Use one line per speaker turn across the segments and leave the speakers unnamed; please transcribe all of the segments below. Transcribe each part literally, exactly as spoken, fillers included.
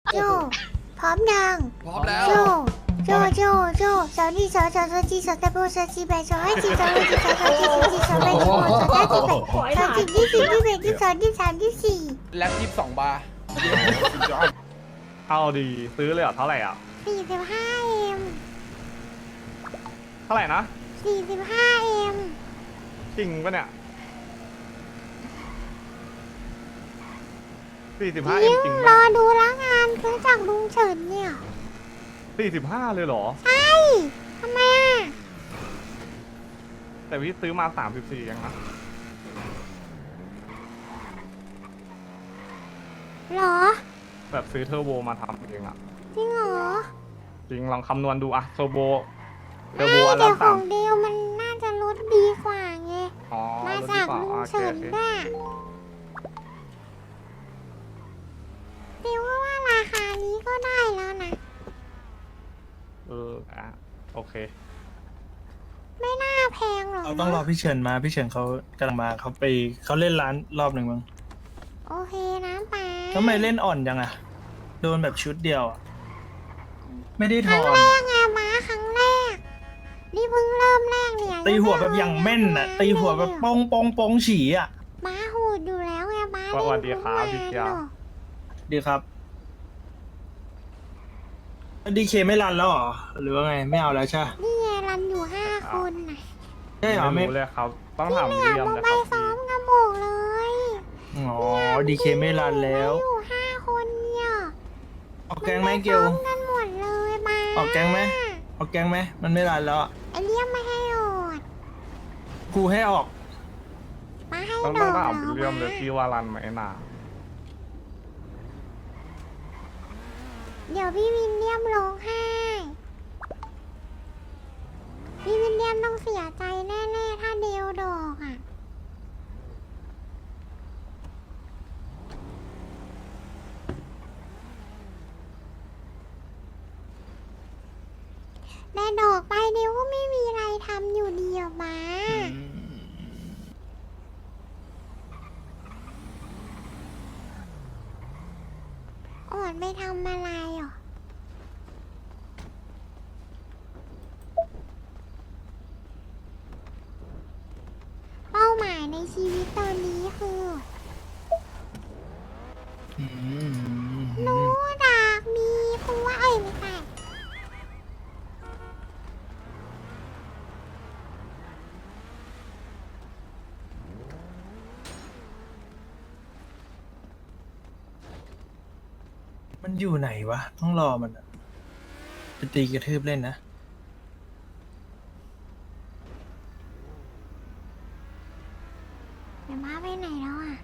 โจพร้อมยัง
พร้อมแล้ว
โจโจโจโจสาวนี่สาวสาวสาวจีสาวตะโบสาวจีแบสาวให้จีสาวให้จีสาวสาวจีสาวจีสาวแบสาวสาวจีแบสาวจีที่สี่ที่แบที่สองที่สามที่สี่
แล็บยี่สิบสองบาร์
เอาดีซื้อเลยเหรอเท่าไหร่อ่ะ
สี่สิบห้าเอ็ม
เท่าไหร่นะ
สี่สิบห้าเอ็ม
จริงปะเนี่ยสี่สิบห้าเอ็
ยิ่
ม
ง
จริง
ร
ปะ
อดูแล้วงานคือจากลุงเฉินเนี่ย
สี่สิบห้าเลยเหรอ
ใช่ทำไมอ่ะ
แต่พี่ซื้อมาสามสิบสี่ยังนะ
หรอ
แบบซื้อเทอร์โบมาทำเองอ่ะ
จริงเหรอ
จริงลองคำนวณดูอะเทอร์โบเทอ
ไม่
ร์โบอัน
แต่
ละ
ข
สา
อ
ม
งเดียวมันน่าจะลดดีกว่าไง
อ๋อ
มา
ลดดี
จาก
กว่า
ลุง
โอเค
เฉิ
โอน เค
น่ะเดียวว่าว่าราคานี้ก็ได้แล้วนะ
เอออ่ะโอเค
ไม่น่าแพงหรอก
เราต้องรอพี่เฉินมาพี่เฉินเขากำลังมาเขาไปเขาเล่นร้านรอบหนึ่งมั้ง
โอเคนะป้า
ทำไมเล่นอ่อนจังอะโดนแบบชุดเดียวอะไม่ได้ถ
ครั้
อง น
แรกไงม้าครั้งแรก นี่เพิ่งเริ่มแรกเนี่ย
ตีหัวแบบอย่างแม่นอะตีหัวแบบปองปองปองฉี่อะ
ม้าโหดอยู่แล้วไงม้า
สวัสดีครับพี่เกียร์
ดีครับดีเคไม่รันแล้วเหรอหรือว่าไงไม่เอาแล้วใช่
นี่ไงรันอยู่ห้าคนน่ะ
ใช่เหรอ
ไม่
ไม่
รู้เลยครับ ต้อง
ที่
ถาม
เหลื
เรี
อย
ม
โม
นะ
ไป
ครับ
ซ้อ
พี่
มกันบอกเลย
อ๋อดีเคไม่รันแล้ว
อยู่ห้าคนเนี่ย
ออกแกงไหมเกล
ซ้อมกันหมดเลยมา
ออกแกงไหม ออกแกงไหมมันไม่รันแล้วอะ
ไอเลี่ยมไม่ให้โดด
กูให้ออก
มาให้
ต้อง
โด
ต้อง
ด
ถาม
เหรอ
เรียมเลยพี่ว่ารันไหมนะ
เดี๋ยวพี่วินเลียมร้องไห้ พี่วินเลียมต้องเสียใจแน่ๆถ้าเดวดอกอ่ะ แต่ดอกไปเดียวก็ไม่มีอะไรทำอยู่ดีอะมา อ่อนไปทำอะไรหรอ เป้าหมายในชีวิตตอนนี้คือ
อืม
หนูดากมีผัวเอ้ยไม่ใช่
มันอยู่ไหนวะ ต้องรอมันอะไปตีกระทืบเล่นนะ
เดี๋ยวมาไปไหนแล้วอ่ะ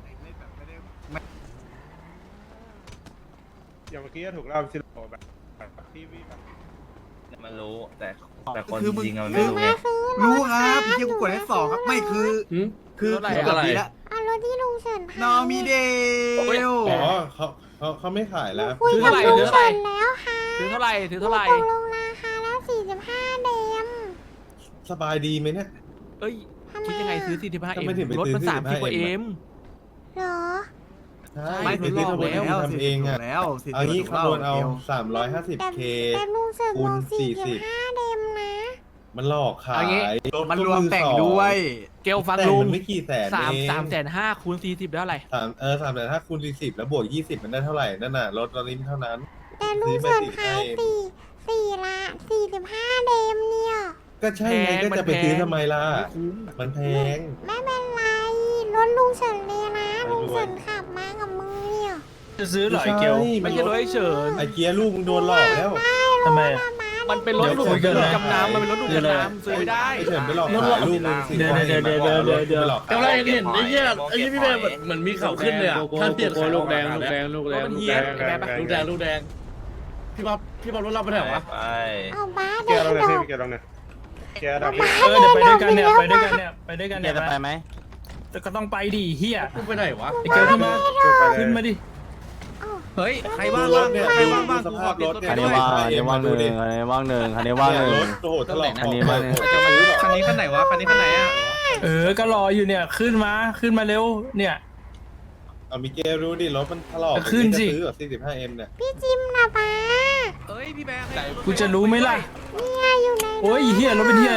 อย่างเมื่อกี้ก็ถูกเล่าชิโร่แบบแบบที่วิแบบ
มันรู้แต่แต่คน
คือมึง
จริงๆอะมัน
หนู
ไม่รู้ไง
มาซื้อ
รู้ครับ
ถ
พี่เจ้ากูกดให้สองครับไม่คือคือ
เท่าไหร่
คือ
อะ
แบบนี้ละ
เอารถที่ลุงเฉินพาน
อมีเดล
อ๋อเขาเขาเขาไม่ขายแล้ว
คุยกับลุงเฉินแล้วค่ะ
ถือเท่าไหร่ถือเท่าไหร่
ตกลงราคาแล้วสี่สิบห้าเดม
สบายดีไหมเนี่ย
เอ้ย
ทำไม
คิดยังไง
อะ
ซื้อสี่สิบห้าเอ็
ทำ
ม
ไมถึงไป
รถมัน
ซื้อ
สามสิบกว่า
สี่
เอ็
สิบห้า
ม
เหรอ
ใช่
ไม่
ไป
ทดล
ซื้อ
อง
ทำ
แล้ว
ทำเองอ่ะ
แล้วสิ
เอางี้
ถูก
คำนวณเอา
ดีย
สามร้อยห้าสิบ
แต่
เค
แต่ลุงเฉิน
คู
บอ
ณ
กสี่สิบ
สี่สิบ
ห้าเดมนะ
มันหลอกขา
เอางี้
ยรถ
มัน
ก็
รวมแต่ง
อสอ
ด้วย
เกลฟัง
แต่ง
ลุง
มันไม่กี่แสน
สาม
เอง
สามแสนห้าคูณสี่สิบได้เท่าไหร่
สามเออสามแสนห้าคูณสี่สิบแล้วบวกยี่สิบมันได้เท่าไหร่นั่นน่ะรถตอนนี้เท่านั้น
แต่ลุงเฉินขายสี่สี่ละสี่สิบห้าเดมเนี่ย
ก็ใช่ไง
แพง
ก็
มัน
จะไปซื้อ
แพง
ทำไมล่ะ
ไม่คุ้ม
มันแพง
ไม่เป็นไรรถลุงเฉินเลยนะ
ไม่
ลุ
รู้
งเฉินขับมากับมือเนี่ย
จะซื้อเหรอไอ้เกล
ไม่ใช่รถไอ้เฉิน
ไอเกียร์ลูกมึงโดนหลอกแล้ว
ทำไมอะ
มันเป็นรถ
เดี๋ยว
หลุด
คุยกันนะ
จำนำมันเป็นรถหลุดจำนำซื้อไม่ได้
ไอเฉินไปหลอก
รถหลอก
ขายลูกมึงสิ
เดี๋ยวเดี๋ยวเดี๋ยวเดี๋ยวเดี๋ยวเดี๋ยว
ไปหลอก
แต่
ขาย
ว่าเห็นไอ้เหี้ยไอ้เหี้ยพี่แม่
เหมือนมีเขาขึ้นเลยอ่ะถ้าเปลี่ยนลูกแดงลูกแดงลูกแดง
มันเฮียแกปะ
ลูกแดงลูกแดงพี่ป๊อปพี่ป๊อปรถเราไปไหนวะ
ไป
เอาบ้า
เกี
เด็
ย
ก
ร์เรา
ด
เนี่ย
อก
พี่เกียร์เราเนี่ยเกียร์ดับ
เออเดี๋ยวไปด้วยกันเนี่ยไปด้วยกันเนี่ยไปด้วยกันเนี่ย
จะไปไหม
แต่ก็ต้องไปดิเฮีย
กูไปไหนวะ
ไอ้เกลขึ้นมาขึ้นมาดิ
เฮ้ย
ใครว่างบ้างเนี่ยใครว่างบ้าง
สภาพรถเนี่ย
อันนี้ว่างอันนี้ว่างหนึ่งอันนี้ว่างหนึ่งอันนี้ว่างหนึ่ง
รถโอ้โหตลอด
อันนี้ว่างหนึ่ง
จะมาซื้อหรอ
คันนี้คันไหนวะคันนี้คันไหนอ่ะ
เออก็รออยู่เนี่ยขึ้นมาขึ้นมาเร็วเนี่ย
เอามิเกลรู้ดิรถมันถลอก
ก็ขึ้นสิ
จะซื้อแบบ สี่สิบห้าเอ็ม เนี่ย
พี่จิมนะป้า
เอ้ยพี่แบงค์
กูจะรู้ไหมล่ะ
เนี่ยอยู่ใน
โอ้ยเฮียรถเป็นเฮีย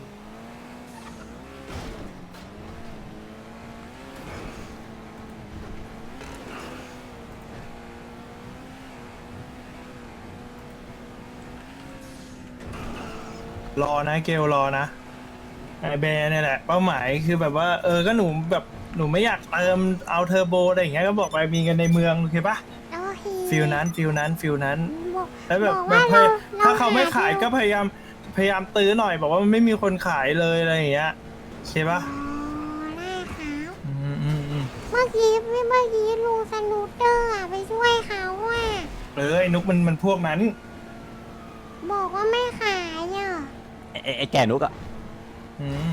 รอนะเกลรอนะไอแบร์เนี่ยแหละเป้าหมายคือแบบว่าเออก็หนูแบบหนูไม่อยากเติมเอาเทอร์โบอะไรอย่างเงี้ยก็บอกไปมีกันในเมืองโอเคปะ
โอเค
ฟิลนั้นฟิลนั้นฟิลนั้น
บอก
แล้วแบบ
บอก
แบ
ว่า
บพ
เรา
ย
เรา
ถ้าเขาไม่ขาย
ห
ก็พยายามพยายามตื้อหน่อย บอกว่ามันไม่มีคนขายเลยอะไรอย่างเงี้ยโอเคปะ
อ๋อได้ครับ
อืมอืมอืม
เมื่อกี้เมื่อกี้ลุงสนูเตอร์อะไปช่วยเขาอ่ะ
เออไอ้นุกมันมันพวกนั้น
บอกว่าไม่ขายอ่ะ
ไอ้ไอ้แก่นุกอะ
อืม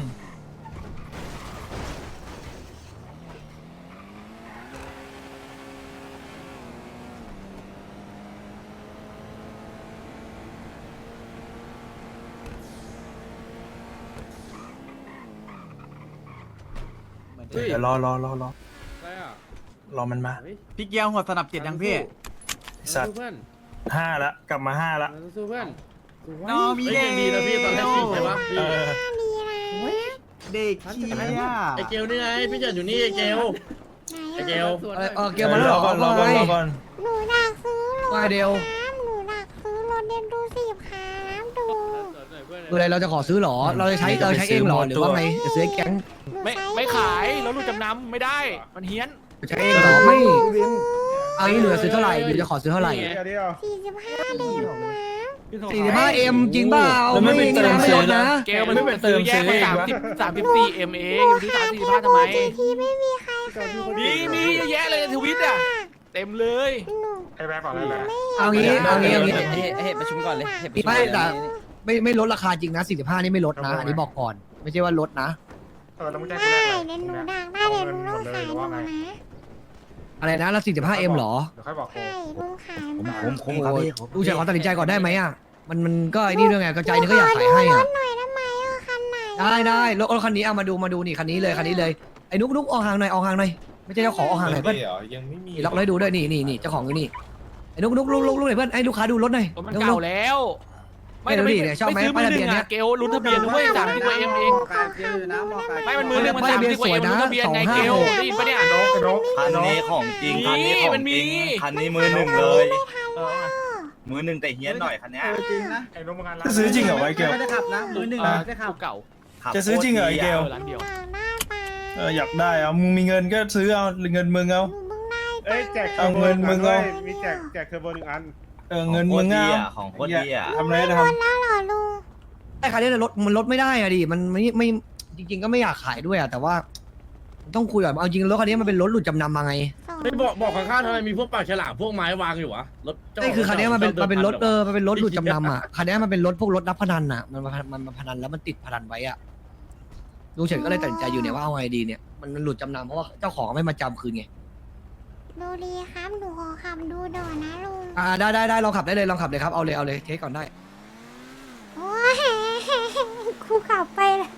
เดี๋ยวรอรอรอรอ
อะไรอ่ะ
รอมันมา
พี่เกียวหัวสนับเจ็ดยังพี่
ไอ้สัตว์
เพื่อน
ห้าละกลับมาห้าละ
สู้เพื่อน
น้องมี
เฮ้ย
เด็
ยังดีนะพี่ตอนแรกสิบใช่ปะพี่
เออ
ดีนะ
เด็กเชีย
ไอเกลนี่ไงพี่เจิดอยู่นี่ไอเกล
ไหน
ไอเก
อะ
ล
อะไรเออเกลมาแล้วเหรอ
ก่อนรอก่อนรอก่อน
หนูอยากซื้อรถ
ว่าเดียว
ครับหนูอยากซื้อรถเดนดูสิบครับดู
คืออะไรเราจะขอซื้อเหรอ เราจะใช้เราใช้เองเหรอหรือว่าไงจะซื้อให้แก๊ง
หนู
ไม่
ใช้
ไม่ขายแล้วลูกจำนำไม่ได้ มันเฮี้ยน
ใช้เองเหรอไม่เอางี้หนูจะซื้อเท่าไหร่หนูจะขอซื้อเท่าไหร่
สี่สิบห้าเดนนะ
สี่สิบห้าเอ็มจริงเปล่า
แล้วไม่
ไม่
ไป
อย่าง
เติ
นี้
ม
นะไม่
ซื้
ล
อ
ด
นะ
นะ
เกลมัน
ไม่ไปเติม
แยก
ซื้อ
ไป
เอง
สาม
วะ
สิบสามสิบสี่เอ็มเองอยู่ที่สามสี่ห้าทำไม
ที่ไม่มีใครขาย
มีมีเยอะแยะเลยในทวิตอ่ะ เต็มเลย
หนู
ไอ้แบงค์ก่อนเลยแหละ
ไม่
เอางี้เอางี้เอางี้
เฮ้เฮ้ประชุมก่อนเลยเฮ้ประชุม
ไม่แต่ไม่ไม่ลดราคาจริงนะสี่สิบห้านี่ไม่ลดนะ อันนี้บอกก่อน ไม่ใช่ว่าลดนะ
เออแล้วมึงแจ้ง
ได้
กูแรกเลย
เดนหนูดังได้เดนหนูต้องขายหนูนะ
อะไรนะแล้วสี่สิบห้าเอ็มหรอ
เดี๋ยวค่อยบอกกู
ใช่ลุงขายมา
คุ้มคุ้มครับพี่
ดูจากความตัดสินใจก่อนได้ไหมอ่ะมันมันก็ไอ้นี่ด้วยไงกระจายนี่ก็อยากขายให้
ร
อ่ะ
ถหน่อยได้ไหมอ่ะคันไหน
ได้ได้รถรถคันนี้เอามาดูมาดูนี่คันนี้เลยคันนี้เลยไอ้นุกนุกออกห่างหน่อยออกห่างหน่อยไม่ใช่เจ้าของออกห่างหน่อยเพื่อน
ไม่เหรอยังไม่มี
นี่ล็อกเลยดูด้วยนี่นี่นี่เจ้าของอยู่นี่ไอ้นุกนุกลุกลุกลุกหน่อยเพื่อนไอ้ลูกค้าดูรถหน่อย
รถมัน
นุก
เก่า
นุก
แล้ว
ไม่รู้ดิเนี่ยชอบไหม
ซื้อมือหนึ่ง
ป้ายทะเบียนเนี่
อ่ะ
ย
เกลลุ้นทะเบียนด้วยสามสิบกว่าเอ็มเอง ไม่มันมือหนึ่งมันสามสิบกว่าเอ็มลุ้นทะเบียนไงเกลได้ยินปะเนี่ย
นกนก
คันนี้ของจริงคันนี้ของ
มันมี
จริงคันนี้มือหนึ่งเลย
เออ
มือหนึ่งแต่เฮี้ยนหน่อยคันเนี้ย
จริงนะ
ไอ้นกมึงงาน
จะซื้อจริงเหรอไอ้เกล
ไม่ได้ขับนะมือหนึ่ง
อ่า
ไม่ได้ขับ
เก่า
ขับ
จะซื้อจริงเหรอไอ้เกล
เออร้านเดียว
อยากได้ปลา
เอออยากได้เอามึงมีเงินก็ซื้อเอาหรือเงินมึงเอา
หนูเพิ่งได้
เอ้ยแจก
เอาเงินมึงเอา
มีแจกแจกเทอร์โบหนึ่งอัน
เออเงินมึงเอา
ของโคตรดีอ่ะ
ทำอะไรก็
ร
ท
ถแล้วเหรอลุง
ไอ้คันนี้รถมันลดไม่ได้อะดิมันไม่ไม่จริง ๆ ก็ไม่อยากขายด้วยอะแต่ว่า ต้องคุยก่อนเอาจริงรถคันนี้มันเป็นรถหลุดจำนำมาไง
สอง
ไม่บอกบอกข้างๆทำไมมีพวกปากฉลามพวกไม้วางอยู่วะรถเจ้า
นี่คือคันนี้มันเป็นมันเป็นรถเออมันเป็นรถหลุดจำนำ
ไ
อ่ะคันนี้มันเป็นรถพวกรถรับพนันอ่ะมันมันมันมันพนันแล้วมันติดพนันไว้อ่ะลุงเฉินก็เลยตัดสินใจอยู่เนี่ยว่าเอาไงดีเนี่ยมันมันหลุดจำนำเพราะว่าเจ้าของไม่มาจำคืนไง
ดูดีครับหนูขอขับดูหน่อยนะลุง
อ่าได้ได้ได้ลองขับได้เลยลองขับเลยครับเอาเลยเอาเลยเทสก่อนได้
โอ้ยครูขับไปเลย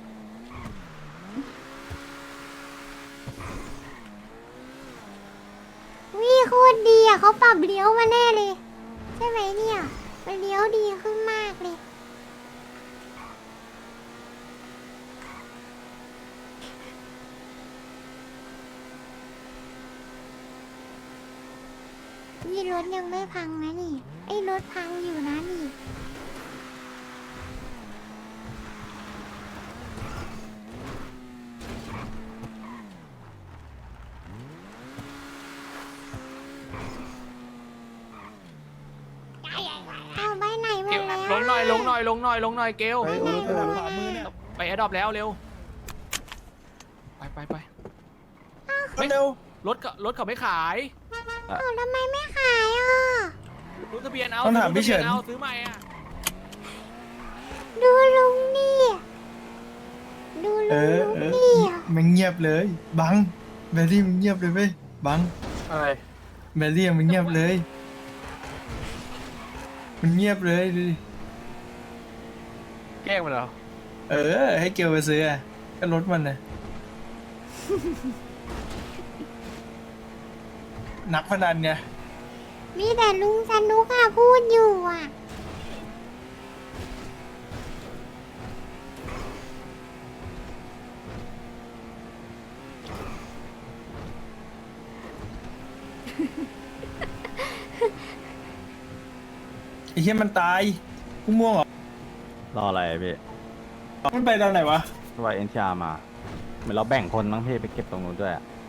วิโคตรดีอ่ะเขาปรับเลี้ยวมาแน่เลย ใช่ไหมเนี่ยมันเลี้ยวดีขึ้นมากเลยนี่รถยังไม่พังนะนี่ไอ้รถพังอยู่นะนี่ เอาไปไหนหม
เก
ด
ล
แล้ว
ลงหน่อยลงหน่อยลงหน่อยลงหน่อยเกล
ไอ้โอ้ยขวามือเนี่ย
ไปแอดดอปแล้วเร็ว ไปไปไป
ำเร็ว
รถก็รถเขาไม่ขาย
เอาทำไมไม่ขายอ่ะ
รู้ทะเบียนเอา
ต้องถามพี่เฉิน
รู้ทะบียเอาซื้อใหม่อ่ะ
ดูลุงนี่ดู
เอ
ลุง
อเออ
นี่
มันเงียบเลยบังแบรี่มันเงียบเลยเว้ยบัง
อะไร
แบรี่มันเงียบเลย มันเงียบเลยดูดิ
แกล้งมันเหรอ
เออ ให้เกลไปซื้ออะก็รถมันนะนักพนันไง
มีแต่ลุงสนุกอะพูดอยู่อะ
ไอ้เหี้ยมันตายกูม่วงเหรอ
รออะไรพี่
มันไปตอนไหนวะ
ว่าเอ็นทีอาร์มาเหมือนเราแบ่งคนมั้งพี่ไปเก็บตรงนู้นด้วย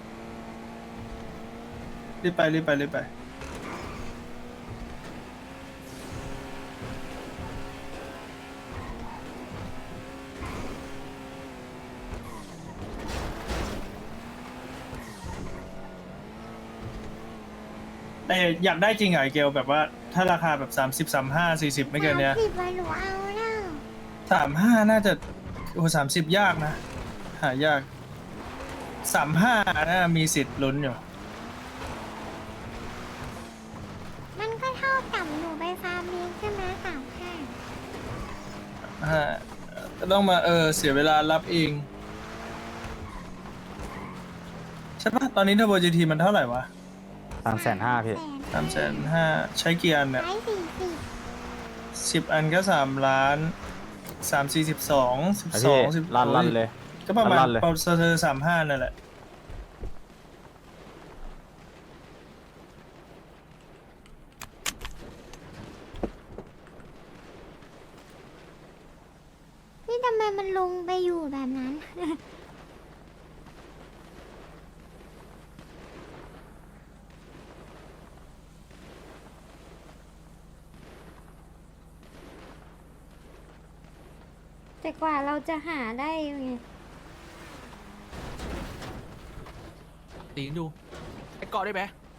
รีบไปรีบไปรีบไปแต่อยากได้จริงเหรอไอ้เกลแบบว่าถ้าราคาแบบสามสิบสามห้าสี่สิบไม่เกินเนี้ย
สามสิบวันหนูเอาแล้ว
สามห้าน่าจะโอ้สามสิบยากนะ หายากสามห้าน่ามีสิทธิ์ลุ้นอยู่
มันก็เท่ากับหนูไปฟาร์มเลี้ยงใช่ไหมสามห้า
ฮะก็ต้องมาเออเสียเวลารับเอง ใช่ปะตอนนี้เทอร์โบจีทีมันเท่าไหร่วะ
สามแสนห้าพี่
สามแสนห้าใช้กี่อันเนี่ย
ใช้สี่สิบ
สิบอันก็สามล้านสามสี่สิบสองสิบ
ไอ้
สอ
พี่
งสิบ
ลั่นลั่นเลย
ก็ประมาณ
ลั่นเลย
เปอร์เซ็นต์สามห้านั่นแหละ
นี่ทำไมมันลงไปอยู่แบบนั้น แต่กว่าเราจะหาได้ไง
ตีนดูไอ้เกาะได้ไหม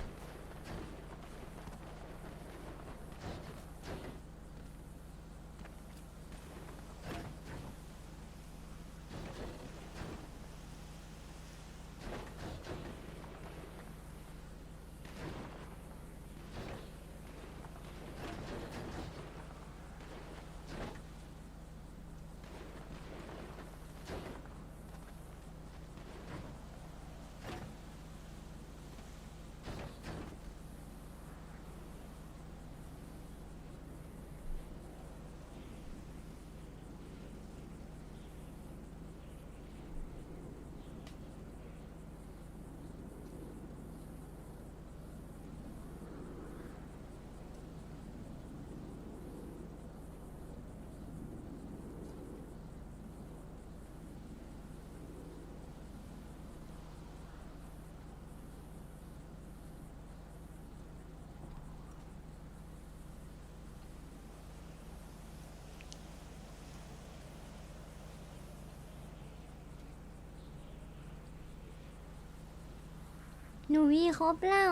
หนูมีครบแล้ว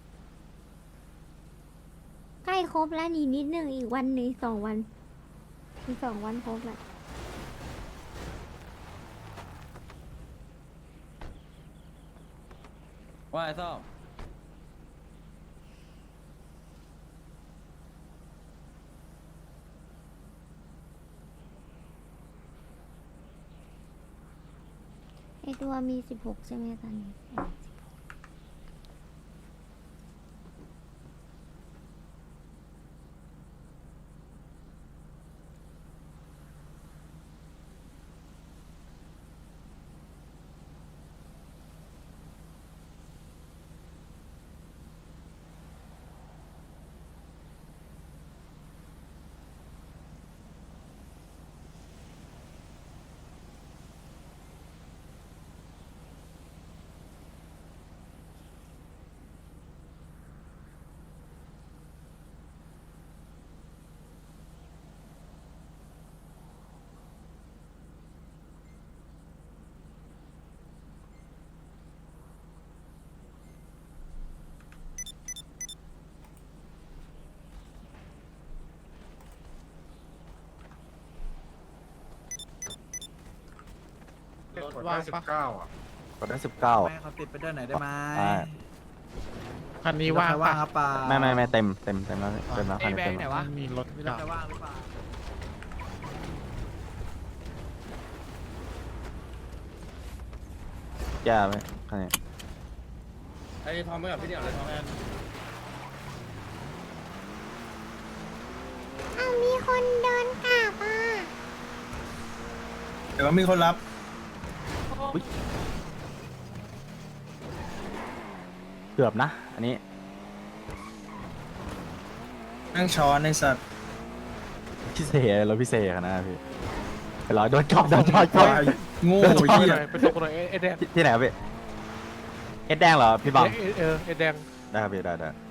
ใกล้ครบแล้วนี่นิดหนึ่งอีกวันหนึ่งสองวันอีกสองวันครบแล้ว
ว่าไอ้ซ่อม
ไอตัวมีสิบหกใช่ไหมตอนนี้
กดได้สิบเก้าอ่ะ
กดได้สิบเก้า
ไม่เขาติดไปด้วยไหนอยได้ไหม
ได้
คันนี้ว่าง
ใครว่างครับป่า
ไม่ไม่ไม่เต็มเต็มเต็มแล้วเต็มแล้วคั
ไอ้
น
แบ
นี้
ง
เต็ม
ค์ไหน
แล้ว
วะ
มีรถ
มีรถใครว่างหรือเปล่า
แย่ไหมคันนี้
ไอ้ทอมไม่กับพี่เดี่ยวเลยทอมแอน
อ้าวมีคนเดินกลับอ่ะ
เดี๋ยวก็มีคนรับ
เกือบนะ อันนี้
นั่งช้อนในสัตว์
พิเศษรถพิเศษขนาดนั้นพี่ไปรอโดนจอบโดนจอบจอบ
โง่
โอ้ย
เหี้ย
ไปตกเลยเอ็ดแดงที่ไหนครับพี่เอ็ดแดงเหรอพี่บัง
เออเอแดง
ได้ครับพี่ได้ได้